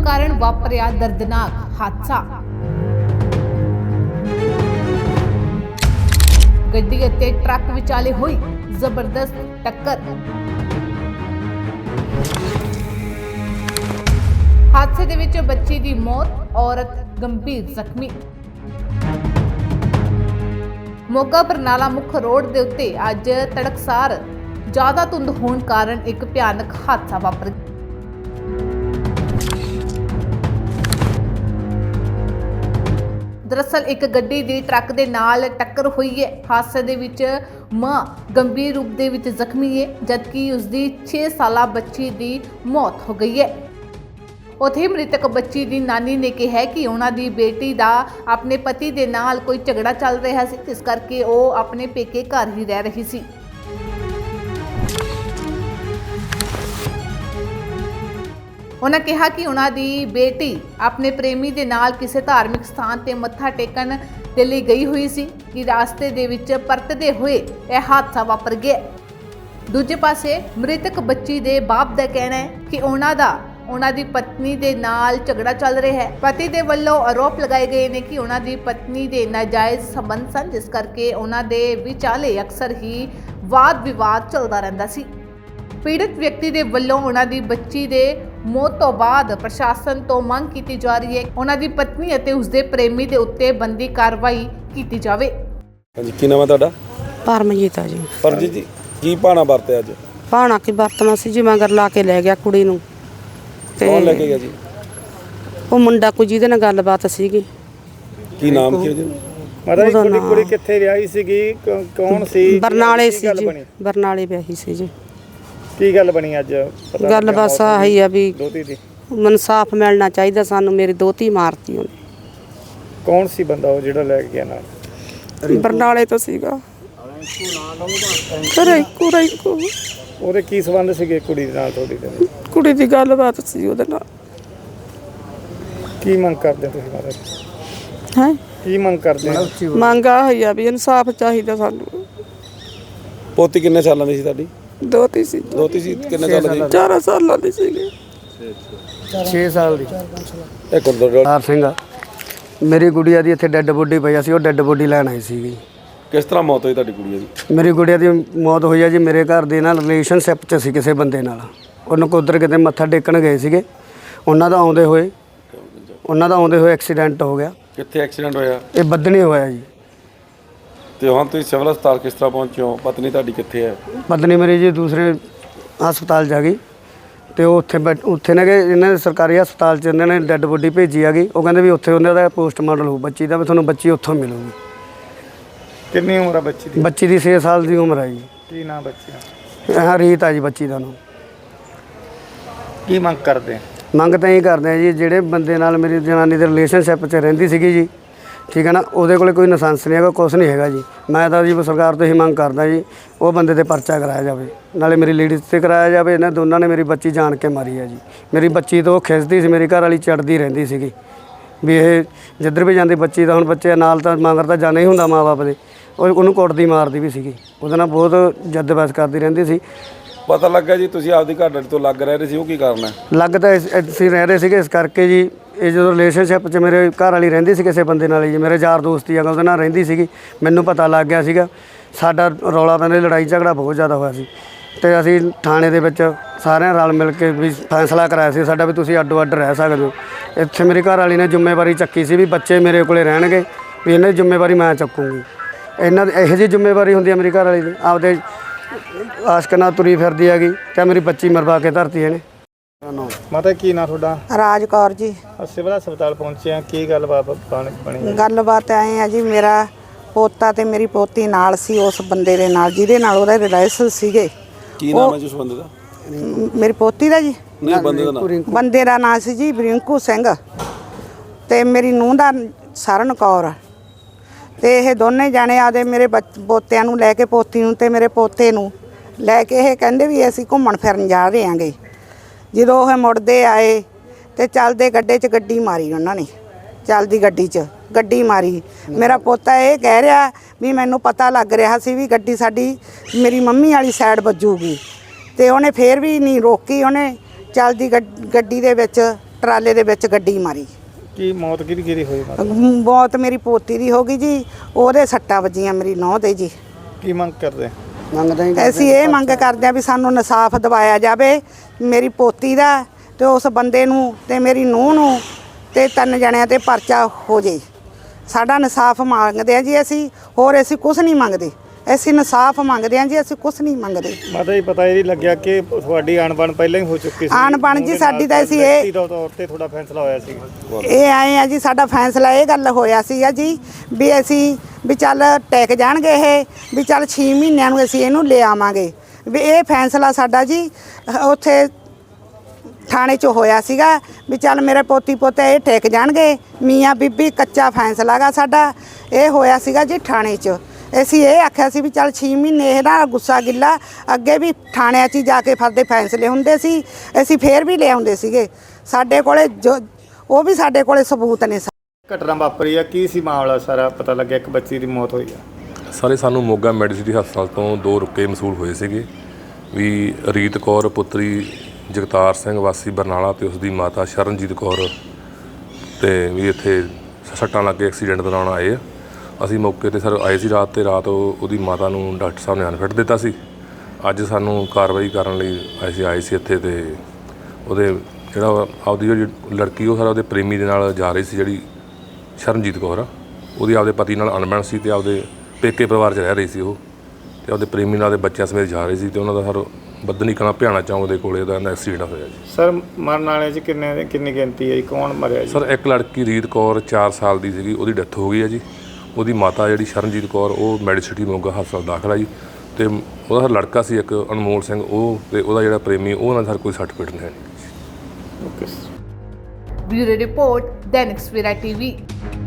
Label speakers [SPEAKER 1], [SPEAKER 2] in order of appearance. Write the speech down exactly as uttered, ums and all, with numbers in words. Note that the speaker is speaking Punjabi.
[SPEAKER 1] ਕਾਰਨ ਵਾਪਰਿਆ ਦਰਦਨਾਕ ਹਾਦਸਾ। ਗੱਡੀ ਅਤੇ ਟਰੱਕ ਵਿਚਾਲੇ ਹੋਈ ਜ਼ਬਰਦਸਤ ਟੱਕਰ। ਹਾਦਸੇ ਦੇ ਵਿੱਚ ਬੱਚੀ ਦੀ ਮੌਤ, ਔਰਤ ਗੰਭੀਰ ਜ਼ਖਮੀ। ਮੋਗਾ ਬਰਨਾਲਾ ਮੁੱਖ ਰੋਡ ਦੇ ਉੱਤੇ ਅੱਜ ਤੜਕਸਾਰ ਜ਼ਿਆਦਾ ਧੁੰਦ ਹੋਣ ਕਾਰਨ ਇੱਕ ਭਿਆਨਕ ਹਾਦਸਾ ਵਾਪਰ ਗਿਆ। ਦਰਅਸਲ ਇੱਕ ਗੱਡੀ ਦੀ ਟਰੱਕ ਦੇ ਨਾਲ ਟੱਕਰ ਹੋਈ ਹੈ। ਹਾਦਸੇ ਦੇ ਵਿੱਚ ਮਾਂ ਗੰਭੀਰ ਰੂਪ ਦੇ ਵਿੱਚ ਜ਼ਖਮੀ ਹੈ, ਜਦਕਿ ਉਸ ਦੀ ਛੇ ਸਾਲਾ ਬੱਚੀ ਦੀ ਮੌਤ ਹੋ ਗਈ ਹੈ। ਉੱਥੇ ਮ੍ਰਿਤਕ ਬੱਚੀ ਦੀ ਨਾਨੀ ਨੇ ਕਿਹਾ ਕਿ ਉਹਨਾਂ ਦੀ ਬੇਟੀ ਦਾ ਆਪਣੇ ਪਤੀ ਦੇ ਨਾਲ ਕੋਈ ਝਗੜਾ ਚੱਲ ਰਿਹਾ ਸੀ, ਇਸ ਕਰਕੇ ਉਹ ਆਪਣੇ ਪੇਕੇ ਘਰ ਹੀ ਰਹਿ ਰਹੀ ਸੀ। ਉਹਨਾਂ ਕਿਹਾ ਕਿ ਉਹਨਾਂ ਦੀ ਬੇਟੀ ਆਪਣੇ ਪ੍ਰੇਮੀ ਦੇ ਨਾਲ ਕਿਸੇ ਧਾਰਮਿਕ ਸਥਾਨ ਤੇ ਮੱਥਾ ਟੇਕਣ ਦੇ ਲਈ ਗਈ ਹੋਈ ਸੀ ਕਿ ਰਾਸਤੇ ਦੇ ਵਿੱਚ ਪਰਤਦੇ ਹੋਏ ਇਹ ਹਾਦਸਾ ਵਾਪਰ ਗਿਆ। ਦੂਜੇ ਪਾਸੇ ਮ੍ਰਿਤਕ ਬੱਚੀ ਦੇ ਬਾਪ ਦਾ ਕਹਿਣਾ ਹੈ ਕਿ ਉਹਨਾਂ ਦਾ ਉਹਨਾਂ ਦੀ ਪਤਨੀ ਦੇ ਨਾਲ ਝਗੜਾ ਚੱਲ ਰਿਹਾ ਹੈ। ਪਤੀ ਦੇ ਵੱਲੋਂ ਆਰੋਪ ਲਗਾਏ ਗਏ ਨੇ ਕਿ ਉਹਨਾਂ ਦੀ ਪਤਨੀ ਦੇ ਨਾਜਾਇਜ਼ ਸੰਬੰਧ ਸਨ, ਜਿਸ ਕਰਕੇ ਉਹਨਾਂ ਦੇ ਵਿਚਾਲੇ ਅਕਸਰ ਹੀ ਵਾਦ ਵਿਵਾਦ ਚੱਲਦਾ ਰਹਿੰਦਾ ਸੀ। ਪੀੜਤ ਵਿਅਕਤੀ ਦੇ ਵੱਲੋਂ ਉਹਨਾਂ ਦੀ ਬੱਚੀ ਦੇ ਮੌਤ ਤੋਂ ਬਾਅਦ ਪ੍ਰਸ਼ਾਸਨ ਤੋਂ ਮੰਗ ਕੀਤੀ ਜਾ ਰਹੀ ਹੈ ਉਹਨਾਂ ਦੀ ਪਤਨੀ ਅਤੇ ਉਸਦੇ ਪ੍ਰੇਮੀ ਦੇ ਉੱਤੇ ਬਣਦੀ ਕਾਰਵਾਈ ਕੀਤੀ ਜਾਵੇ।
[SPEAKER 2] ਹਾਂਜੀ, ਕੀ ਨਾਮ ਹੈ ਤੁਹਾਡਾ?
[SPEAKER 3] ਪਰਮਜੀਤ ਆ ਜੀ।
[SPEAKER 2] ਪਰਮਜੀਤ ਜੀ, ਕੀ ਭਾਣਾ ਵਰਤਿਆ ਅੱਜ?
[SPEAKER 3] ਭਾਣਾ ਕੀ ਵਰਤਣਾ ਸੀ ਜੀ, ਮਗਰ ਲਾ ਕੇ ਲੈ ਗਿਆ ਕੁੜੀ ਨੂੰ। ਤੇ
[SPEAKER 2] ਕੌਣ ਲੈ ਕੇ ਗਿਆ ਜੀ?
[SPEAKER 3] ਉਹ ਮੁੰਡਾ ਕੋਈ ਜਿਹਦੇ ਨਾਲ ਗੱਲਬਾਤ ਸੀਗੀ।
[SPEAKER 2] ਕੀ ਨਾਮ ਕੀ ਉਹਦਾ?
[SPEAKER 4] ਮਾਤਾ ਜੀ ਕੁੜੀ ਕੁੜੀ ਕਿੱਥੇ ਵਿਆਹੀ ਸੀਗੀ, ਕੌਣ ਸੀ?
[SPEAKER 3] ਬਰਨਾਲੇ ਸੀ ਜੀ, ਬਰਨਾਲੇ ਵਿਆਹੀ ਸੀ ਜੀ।
[SPEAKER 4] ਕੀ ਗੱਲ ਬਣੀ ਅੱਜ?
[SPEAKER 3] ਗੱਲ ਬਸ ਆਹੀ ਆ ਵੀ
[SPEAKER 4] ਦੋਤੀ ਦੀ
[SPEAKER 3] ਇਨਸਾਫ ਮਿਲਣਾ ਚਾਹੀਦਾ ਸਾਨੂੰ। ਮੇਰੀ ਦੋਤੀ ਮਾਰਤੀ ਉਹਨੇ।
[SPEAKER 4] ਕੌਣ ਸੀ ਬੰਦਾ ਉਹ ਜਿਹੜਾ ਲੈ ਕੇ ਗਿਆ ਨਾਲ?
[SPEAKER 3] ਬਰਨਾਲੇ ਤੋਂ ਸੀਗਾ। ਰਿੰਕੂ ਰਿੰਕੂ
[SPEAKER 4] ਉਹਦੇ ਕੀ ਸੰਬੰਧ ਸੀਗੇ ਕੁੜੀ ਦੇ ਨਾਲ ਤੁਹਾਡੀ ਦੇ?
[SPEAKER 3] ਕੁੜੀ ਦੀ ਗੱਲਬਾਤ ਸੀ ਉਹਦੇ ਨਾਲ।
[SPEAKER 4] ਕੀ ਮੰਗ ਕਰਦੇ ਤੁਸੀਂ ਮਾਤਾ ਜੀ?
[SPEAKER 3] ਹੈ
[SPEAKER 4] ਕੀ ਮੰਗ ਕਰਦੇ?
[SPEAKER 3] ਮੰਗ ਆਹੀ ਆ ਵੀ ਇਨਸਾਫ ਚਾਹੀਦਾ ਸਾਨੂੰ।
[SPEAKER 2] ਪੋਤੀ ਕਿੰਨੇ ਸਾਲਾਂ ਦੀ ਸੀ ਤੁਹਾਡੀ?
[SPEAKER 3] ਦੋਤੀ ਸੀ।
[SPEAKER 2] ਦੋਤੀ ਸੀ ਕਿੰਨੇ ਸਾਲਾਂ ਦੀ?
[SPEAKER 3] ਚਾਰ ਸਾਲਾਂ ਦੀ ਸੀਗੀ।
[SPEAKER 5] ਛੇ ਸਾਲ ਦੀ।
[SPEAKER 2] ਇਹ ਗੁਰਦੁਆਰਾ
[SPEAKER 5] ਹਰ ਸਿੰਘ ਮੇਰੀ ਗੁੜੀਆ ਦੀ ਇੱਥੇ ਡੈੱਡ ਬੋਡੀ ਪਈ ਸੀ, ਉਹ ਡੈੱਡ ਬੋਡੀ ਲੈਣ ਆਈ ਸੀਗੀ।
[SPEAKER 2] ਕਿਸ ਤਰ੍ਹਾਂ ਮੌਤ ਹੋਈ ਤੁਹਾਡੀ ਕੁੜੀ ਦੀ?
[SPEAKER 5] ਮੇਰੀ ਗੁੜੀਆ ਦੀ ਮੌਤ ਹੋਈ ਆ ਜੀ, ਮੇਰੇ ਘਰ ਦੇ ਨਾਲ ਰਿਲੇਸ਼ਨਸ਼ਿਪ 'ਚ ਸੀ ਕਿਸੇ ਬੰਦੇ ਨਾਲ। ਉਹਨੂੰ ਕੁਦਰ ਕਿਤੇ ਮੱਥਾ ਟੇਕਣ ਗਏ ਸੀਗੇ, ਉਹਨਾਂ ਦਾ ਆਉਂਦੇ ਹੋਏ ਉਹਨਾਂ ਦਾ ਆਉਂਦੇ ਹੋਏ ਐਕਸੀਡੈਂਟ ਹੋ ਗਿਆ।
[SPEAKER 2] ਕਿੱਥੇ ਐਕਸੀਡੈਂਟ ਹੋਇਆ?
[SPEAKER 5] ਇਹ ਬੱਦਣੀ ਹੋਇਆ ਜੀ।
[SPEAKER 2] ਤੇ ਹੁਣ ਤੁਸੀਂ ਸਿਵਲ ਹਸਪਤਾਲ ਕਿਸ ਤਰ੍ਹਾਂ ਪਹੁੰਚੇ ਹੋ? ਪਤਨੀ ਤੁਹਾਡੀ ਕਿੱਥੇ ਹੈ?
[SPEAKER 5] ਪਤਨੀ ਮੇਰੀ ਜੀ ਦੂਸਰੇ ਹਸਪਤਾਲ ਜਾ ਗਈ, ਤੇ ਉਹ ਉੱਥੇ ਬੈਠ ਉੱਥੇ ਨੇ ਕਿ ਇਹਨਾਂ ਦੇ ਸਰਕਾਰੀ ਹਸਪਤਾਲ 'ਚ ਇਹਨਾਂ ਨੇ ਡੈੱਡ ਬੋਡੀ ਭੇਜੀ ਆ ਗਈ। ਉਹ ਕਹਿੰਦੇ ਵੀ ਉੱਥੇ ਉਹਨਾਂ ਦਾ ਪੋਸਟਮਾਰਟਮ ਹੋਊ ਬੱਚੀ ਦਾ, ਵੀ ਤੁਹਾਨੂੰ ਬੱਚੀ ਉੱਥੋਂ ਮਿਲੂਗੀ।
[SPEAKER 4] ਕਿੰਨੀ ਉਮਰ ਆ ਬੱਚੀ ਦੀ?
[SPEAKER 5] ਬੱਚੀ ਦੀ ਛੇ ਸਾਲ ਦੀ ਉਮਰ ਹੈ ਜੀ।
[SPEAKER 4] ਕੀ ਨਾਮ ਬੱਚੀ ਦਾ?
[SPEAKER 5] ਹਾਂ, ਰੀਤ ਆ ਜੀ ਬੱਚੀ ਦਾ ਨਾਮ।
[SPEAKER 4] ਕੀ ਮੰਗ ਕਰਦੇ?
[SPEAKER 5] ਮੰਗ ਤਾਂ ਇਹ ਕਰਦੇ ਆ ਜੀ, ਜਿਹੜੇ ਬੰਦੇ ਨਾਲ ਮੇਰੀ ਜਨਾਨੀ ਦੇ ਰਿਲੇਸ਼ਨਸ਼ਿਪ 'ਚ ਰਹਿੰਦੀ ਸੀਗੀ ਜੀ, ਠੀਕ ਹੈ ਨਾ, ਉਹਦੇ ਕੋਲ ਕੋਈ ਲਾਇਸੈਂਸ ਨਹੀਂ ਹੈਗਾ, ਕੁਛ ਨਹੀਂ ਹੈਗਾ ਜੀ। ਮੈਂ ਤਾਂ ਜੀ ਸਰਕਾਰ ਤੋਂ ਹੀ ਮੰਗ ਕਰਦਾ ਜੀ, ਉਹ ਬੰਦੇ 'ਤੇ ਪਰਚਾ ਕਰਾਇਆ ਜਾਵੇ, ਨਾਲੇ ਮੇਰੀ ਲੇਡੀਜ਼ 'ਤੇ ਕਰਾਇਆ ਜਾਵੇ। ਇਹਨਾਂ ਦੋਨਾਂ ਨੇ ਮੇਰੀ ਬੱਚੀ ਜਾਣ ਕੇ ਮਾਰੀ ਹੈ ਜੀ। ਮੇਰੀ ਬੱਚੀ ਤੋਂ ਖਿੱਚਦੀ ਸੀ, ਮੇਰੀ ਘਰ ਵਾਲੀ ਚੜਦੀ ਰਹਿੰਦੀ ਸੀਗੀ ਵੀ ਇਹ ਜਿੱਧਰ ਵੀ ਜਾਂਦੀ ਬੱਚੀ ਦਾ, ਹੁਣ ਬੱਚੇ ਨਾਲ ਤਾਂ ਮਗਰ ਤਾਂ ਜਾਣਾ ਹੀ ਹੁੰਦਾ ਮਾਂ ਬਾਪ ਦੇ, ਉਹ ਉਹਨੂੰ ਕੁੱਟਦੀ ਮਾਰਦੀ ਵੀ ਸੀਗੀ। ਉਹਦੇ ਨਾਲ ਬਹੁਤ ਜੱਦ ਬਹਿਸ ਕਰਦੀ ਰਹਿੰਦੀ ਸੀ।
[SPEAKER 2] ਪਤਾ ਲੱਗਾ ਜੀ ਤੁਸੀਂ ਆਪਦੀ ਘਰ ਵਾਲੀ ਤੋਂ ਲੱਗ ਰਹਿ ਰਹੇ ਸੀ, ਉਹ ਕੀ ਕਾਰਨ ਹੈ?
[SPEAKER 5] ਲੱਗ ਤਾਂ ਅਸੀਂ ਰਹਿ ਰਹੇ ਸੀਗੇ ਇਸ ਕਰਕੇ ਜੀ। ਇਹ ਜਦੋਂ ਰਿਲੇਸ਼ਨਸ਼ਿਪ 'ਚ ਮੇਰੇ ਘਰ ਵਾਲੀ ਰਹਿੰਦੀ ਸੀ ਕਿਸੇ ਬੰਦੇ ਨਾਲ ਜੀ, ਮੇਰੇ ਯਾਰ ਦੋਸਤ ਹੀ ਆ ਉਹਦੇ ਨਾਲ ਰਹਿੰਦੀ ਸੀਗੀ। ਮੈਨੂੰ ਪਤਾ ਲੱਗ ਗਿਆ ਸੀਗਾ, ਸਾਡਾ ਰੌਲਾ ਪੈਂਦਾ, ਲੜਾਈ ਝਗੜਾ ਬਹੁਤ ਜ਼ਿਆਦਾ ਹੋਇਆ ਸੀ। ਅਤੇ ਅਸੀਂ ਥਾਣੇ ਦੇ ਵਿੱਚ ਸਾਰਿਆਂ ਰਲ ਮਿਲ ਕੇ ਵੀ ਫੈਸਲਾ ਕਰਾਇਆ ਸੀ ਸਾਡਾ ਵੀ ਤੁਸੀਂ ਅੱਡੋ ਅੱਡ ਰਹਿ ਸਕਦੇ ਹੋ। ਇੱਥੇ ਮੇਰੀ ਘਰ ਵਾਲੀ ਨੇ ਜ਼ਿੰਮੇਵਾਰੀ ਚੱਕੀ ਸੀ ਵੀ ਬੱਚੇ ਮੇਰੇ ਕੋਲ ਰਹਿਣਗੇ, ਵੀ ਇਹਨਾਂ ਦੀ ਜ਼ਿੰਮੇਵਾਰੀ ਮੈਂ ਚੱਕੂੰਗੀ। ਇਹਨਾਂ ਦੀ ਇਹੋ ਜਿਹੀ ਜ਼ਿੰਮੇਵਾਰੀ ਹੁੰਦੀ ਹੈ ਮੇਰੀ ਘਰ ਵਾਲੀ ਦੀ, ਆਪਦੇ ਆਸ਼ਕ ਨਾਲ ਤੁਰੀ ਫਿਰਦੀ ਹੈਗੀ, ਅਤੇ ਮੇਰੀ ਬੱਚੀ ਮਰਵਾ ਕੇ ਧਰਤੀ ਇਹਨੇ।
[SPEAKER 4] ਮਾਤਾ ਕੀ ਨਾਂ ਤੁਹਾਡਾ?
[SPEAKER 3] ਰਾਜ ਕੌਰ ਜੀ।
[SPEAKER 4] ਸਿਵਲ ਹਸਪਤਾਲ ਪਹੁੰਚੇ ਆ, ਕੀ ਗੱਲਬਾਤ ਬਣੀ?
[SPEAKER 3] ਗੱਲਬਾਤ ਐਂ ਆ ਜੀ, ਮੇਰਾ ਪੋਤਾ ਤੇ ਮੇਰੀ ਪੋਤੀ ਨਾਲ ਸੀ ਉਸ ਬੰਦੇ ਦੇ ਨਾਲ ਜਿਹਦੇ ਨਾਲ ਉਹਦਾ ਰਿਲੇਸ਼ਨ ਸੀਗੇ।
[SPEAKER 2] ਕੀ ਨਾਮ ਹੈ ਜੀ ਉਸ ਬੰਦੇ ਦਾ?
[SPEAKER 3] ਮੇਰੀ ਪੋਤੀ ਦਾ ਜੀ,
[SPEAKER 2] ਨਹੀਂ ਬੰਦੇ ਦਾ ਨਾਮ?
[SPEAKER 3] ਬੰਦੇ ਦਾ ਨਾਂ ਸੀ ਜੀ ਰਿੰਕੂ ਸਿੰਘ, ਤੇ ਮੇਰੀ ਨੂੰਹ ਦਾ ਸਰਨ ਕੌਰ। ਤੇ ਇਹ ਦੋਨੇ ਜਾਣੇ ਆਦੇ ਮੇਰੇ ਪੋਤਿਆਂ ਨੂੰ ਲੈ ਕੇ, ਪੋਤੀ ਨੂੰ ਤੇ ਮੇਰੇ ਪੋਤੇ ਨੂੰ ਲੈ ਕੇ, ਇਹ ਕਹਿੰਦੇ ਵੀ ਅਸੀਂ ਘੁੰਮਣ ਫਿਰਨ ਜਾ ਰਹੇ ਆਂਗੇ। ਜਦੋਂ ਉਹ ਮੁੜਦੇ ਆਏ ਤੇ ਚੱਲਦੇ ਗੱਡੇ 'ਚ ਗੱਡੀ ਮਾਰੀ ਉਹਨਾਂ ਨੇ, ਚੱਲਦੀ ਗੱਡੀ 'ਚ ਗੱਡੀ ਮਾਰੀ। ਮੇਰਾ ਪੋਤਾ ਇਹ ਕਹਿ ਰਿਹਾ ਵੀ ਮੈਨੂੰ ਪਤਾ ਲੱਗ ਰਿਹਾ ਸੀ ਵੀ ਗੱਡੀ ਸਾਡੀ ਮੇਰੀ ਮੰਮੀ ਵਾਲੀ ਸਾਈਡ ਵੱਜੂਗੀ, ਤੇ ਉਹਨੇ ਫੇਰ ਵੀ ਨਹੀਂ ਰੋਕੀ। ਉਹਨੇ ਚੱਲਦੀ ਗੱਡੀ ਦੇ ਵਿੱਚ ਟਰਾਲੇ ਦੇ ਵਿੱਚ ਗੱਡੀ ਮਾਰੀ।
[SPEAKER 4] ਕੀ ਮੌਤ ਕਿਹਦੀ ਕਿਹਦੀ ਹੋਈ ਮਾਤਾ?
[SPEAKER 3] ਮੌਤ ਮੇਰੀ ਪੋਤੀ ਦੀ ਹੋ ਗਈ ਜੀ, ਉਹਦੇ ਸੱਟਾਂ ਵੱਜੀਆਂ ਮੇਰੀ ਨੌਂ ਦੇ ਜੀ।
[SPEAKER 4] ਕੀ ਮੰਗ ਕਰਦੇ?
[SPEAKER 3] ਅਸੀਂ ਇਹ ਮੰਗ ਕਰਦੇ ਆ ਵੀ ਸਾਨੂੰ ਇਨਸਾਫ ਦਿਵਾਇਆ ਜਾਵੇ ਮੇਰੀ ਪੋਤੀ ਦਾ ਤੇ ਉਸ ਬੰਦੇ ਨੂੰ ਤੇ ਮੇਰੀ ਨੂੰਹ ਨੂੰ ਤੇ ਤਿੰਨ ਜਣਿਆਂ ਤੇ ਪਰਚਾ ਹੋ ਜੇ। ਸਾਡਾ ਇਨਸਾਫ ਮੰਗਦੇ ਆ ਜੀ ਅਸੀਂ, ਹੋਰ ਅਸੀਂ ਕੁਝ ਨਹੀਂ ਮੰਗਦੇ। ਅਸੀਂ ਇਨਸਾਫ ਮੰਗਦੇ ਆ ਜੀ, ਅਸੀਂ ਕੁਝ ਨਹੀਂ ਮੰਗਦੇ।
[SPEAKER 4] ਮਾਤਾ ਜੀ ਪਤਾ ਇਹ ਵੀ ਲੱਗਿਆ ਕਿ ਤੁਹਾਡੀ ਅਣਬਣ ਪਹਿਲਾਂ ਹੀ ਹੋ ਚੁੱਕੀ ਸੀ।
[SPEAKER 3] ਅਣਬਣ ਜੀ ਸਾਡੀ ਤਾਂ ਅਸੀਂ ਇਹ
[SPEAKER 4] ਦਾ ਤੌਰ ਤੇ ਤੁਹਾਡਾ ਫੈਸਲਾ ਹੋਇਆ ਸੀ।
[SPEAKER 3] ਇਹ ਆਏ ਆ ਜੀ, ਸਾਡਾ ਫੈਸਲਾ ਇਹ ਗੱਲ ਹੋਇਆ ਸੀਗਾ ਜੀ ਵੀ ਅਸੀਂ ਵੀ ਚੱਲ ਟੈਕ ਜਾਣਗੇ ਇਹ, ਵੀ ਚੱਲ ਛੇ ਮਹੀਨਿਆਂ ਨੂੰ ਅਸੀਂ ਇਹਨੂੰ ਲੈ ਆਵਾਂਗੇ। ਵੀ ਇਹ ਫੈਸਲਾ ਸਾਡਾ ਜੀ ਉੱਥੇ ਥਾਣੇ 'ਚ ਹੋਇਆ ਸੀਗਾ ਵੀ ਚੱਲ ਮੇਰੇ ਪੋਤੀ ਪੋਤੇ ਇਹ ਟੈਕ ਜਾਣਗੇ, ਮੀਆਂ ਬੀਬੀ ਕੱਚਾ ਫੈਸਲਾ ਗਾ ਸਾਡਾ ਇਹ ਹੋਇਆ ਸੀਗਾ ਜੀ ਥਾਣੇ 'ਚ। ਅਸੀਂ ਇਹ ਆਖਿਆ ਸੀ ਵੀ ਚੱਲ ਛੇ ਮਹੀਨੇ ਇਹ ਨਾ ਗੁੱਸਾ ਗਿੱਲਾ, ਅੱਗੇ ਵੀ ਥਾਣਿਆਂ 'ਚ ਹੀ ਜਾ ਕੇ ਫਰਦੇ ਫੈਸਲੇ ਹੁੰਦੇ ਸੀ, ਅਸੀਂ ਫੇਰ ਵੀ ਲੈ ਆਉਂਦੇ ਸੀਗੇ। ਸਾਡੇ ਕੋਲੇ ਜੋ ਉਹ ਵੀ ਸਾਡੇ ਕੋਲੇ ਸਬੂਤ ਨੇ।
[SPEAKER 4] ਘਟਨਾ ਵਾਪਰੀ ਆ, ਕੀ ਸੀ ਮਾਮਲਾ ਸਾਰਾ? ਪਤਾ ਲੱਗਿਆ ਇੱਕ ਬੱਚੀ ਦੀ ਮੌਤ ਹੋਈ ਆ।
[SPEAKER 6] ਸਾਰੇ ਸਾਨੂੰ ਮੋਗਾ ਮੈਡੀਸਿਟੀ ਹਸਪਤਾਲ ਤੋਂ ਦੋ ਰੁਕੇ ਮਸੂਲ ਹੋਏ ਸੀਗੇ ਵੀ ਰੀਤ ਕੌਰ ਪੁੱਤਰੀ ਜਗਤਾਰ ਸਿੰਘ ਵਾਸੀ ਬਰਨਾਲਾ ਤੇ ਉਸ ਦੀ ਮਾਤਾ ਸ਼ਰਨਜੀਤ ਕੌਰ ਤੇ ਵੀ ਇੱਥੇ ਸੱਟਾਂ ਲੱਗ ਕੇ ਐਕਸੀਡੈਂਟ ਦੌਰਾਨ ਆਏ ਆ। ਅਸੀਂ ਮੌਕੇ ਤੇ ਸਰ ਆਏ ਸੀ ਰਾਤ ਤੇ ਰਾਤ ਉਹ ਉਹਦੀ ਮਾਤਾ ਨੂੰ ਡਾਕਟਰ ਸਾਹਿਬ ਨੇ ਅਨਫਿਟ ਦਿੱਤਾ ਸੀ। ਅੱਜ ਸਾਨੂੰ ਕਾਰਵਾਈ ਕਰਨ ਲਈ ਅਸੀਂ ਆਏ ਸੀ ਇੱਥੇ ਤੇ ਉਹਦੇ ਜਿਹੜਾ ਆਪਦੀ ਜਿਹੜੀ ਲੜਕੀ ਉਹ ਸਾਰਾ ਉਹਦੇ ਪ੍ਰੇਮੀ ਦੇ ਨਾਲ ਜਾ ਰਹੀ ਸੀ, ਜਿਹੜੀ ਸ਼ਰਨਜੀਤ ਕੌਰ ਆ, ਉਹਦੀ ਆਪਦੇ ਪਤੀ ਨਾਲ ਅਣਬਣ ਸੀ ਤੇ ਆਪਦੇ ਪੇਕੇ ਪਰਿਵਾਰ 'ਚ ਰਹਿ ਰਹੀ ਸੀ ਉਹ, ਤੇ ਆਪਦੇ ਪ੍ਰੇਮੀ ਨਾਲ ਦੇ ਬੱਚਿਆਂ ਸਮੇਤ ਜਾ ਰਹੀ ਸੀ ਤੇ ਉਹਨਾਂ ਦਾ ਸਰ ਬੱਦਨੀ ਕਲਾਂ ਭਿਆਣਾ ਚੌਂਕ ਦੇ ਕੋਲੇ ਉਹਦਾ ਐਕਸੀਡੈਂਟ ਹੋਇਆ ਜੀ।
[SPEAKER 4] ਸਰ ਮਰਨ ਵਾਲੇ 'ਚ ਕਿੰਨੇ ਕਿੰਨੀ ਗਿਣਤੀ ਹੈ ਜੀ? ਕੌਣ ਮਰਿਆ ਜੀ?
[SPEAKER 6] ਸਰ ਇੱਕ ਲੜਕੀ ਰੀਤ ਕੌਰ ਚਾਰ ਸਾਲ ਦੀ ਸੀਗੀ, ਉਹਦੀ ਡੈਥ ਹੋ ਗਈ ਹੈ ਜੀ। ਉਹਦੀ ਮਾਤਾ ਜਿਹੜੀ ਸ਼ਰਨਜੀਤ ਕੌਰ ਉਹ ਮੈਡੀਸਿਟੀ ਮੋਗਾ ਹਸਪਤਾਲ ਦਾਖਲ ਆ ਜੀ। ਤੇ ਉਹਦਾ ਲੜਕਾ ਸੀ ਇੱਕ ਅਨਮੋਲ ਸਿੰਘ, ਉਹ ਤੇ ਉਹਦਾ ਜਿਹੜਾ ਪ੍ਰੇਮੀ ਉਹ ਨਾਲ ਸਰ ਕੋਈ ਸੱਟ ਪਿੱਟ ਨਹੀਂ ਹੈ।
[SPEAKER 4] ਓਕੇ।
[SPEAKER 1] ਬਿਊਰੋ ਰਿਪੋਰਟ, ਦੈਨਿਕ ਸਵੇਰਾ ਟੀਵੀ।